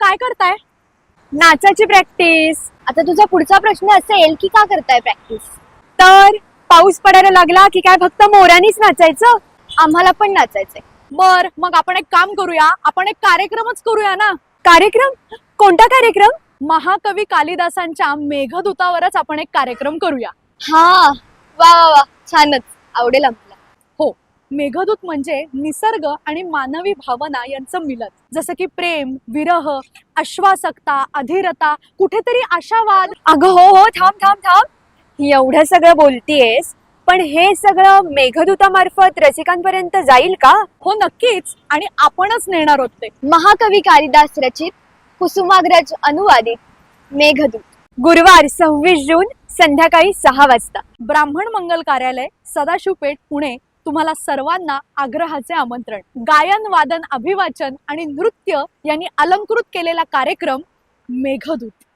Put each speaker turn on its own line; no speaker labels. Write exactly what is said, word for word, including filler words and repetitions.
काय करताय?
नाचाची प्रॅक्टिस.
आता तुझा पुढचा प्रश्न असेल की का करताय प्रॅक्टिस?
तर पाऊस पडायला लागला की काय फक्त मोरानीच नाचायचं?
आम्हाला पण नाचायचंय.
बर मग आपण एक काम करूया, आपण एक कार्यक्रमच करूया ना.
कार्यक्रम? कोणता कार्यक्रम?
महाकवी कालिदासांच्या मेघदूतावरच आपण एक कार्यक्रम करूया.
हा, वा वा वा, छानच, आवडेल आम्हाला.
हो, मेघदूत म्हणजे निसर्ग आणि मानवी भावना यांचं मिलन. जसं की प्रेम, विरह, आश्वासकता, अधीरता, कुठेतरी आशावाद.
अगं हो हो, थांब थांब थांब. एवढं सगळं बोलतीयेस, पण हे सगळं मेघदूतामार्फत रसिकांपर्यंत जाईल का?
हो नक्कीच, आणि आपणच नेणार आहोत ते.
महाकवी कालिदास रचित, कुसुमाग्रज अनुवादित मेघदूत.
गुरुवार सव्वीस जून संध्याकाळी सहा वाजता.
ब्राह्मण मंगल कार्यालय, सदाशिव पेठ, पुणे. तुम्हाला सर्वांना आग्रहाचे आमंत्रण. गायन, वादन, अभिवाचन आणि नृत्य यांनी अलंकृत केलेला कार्यक्रम मेघदूत.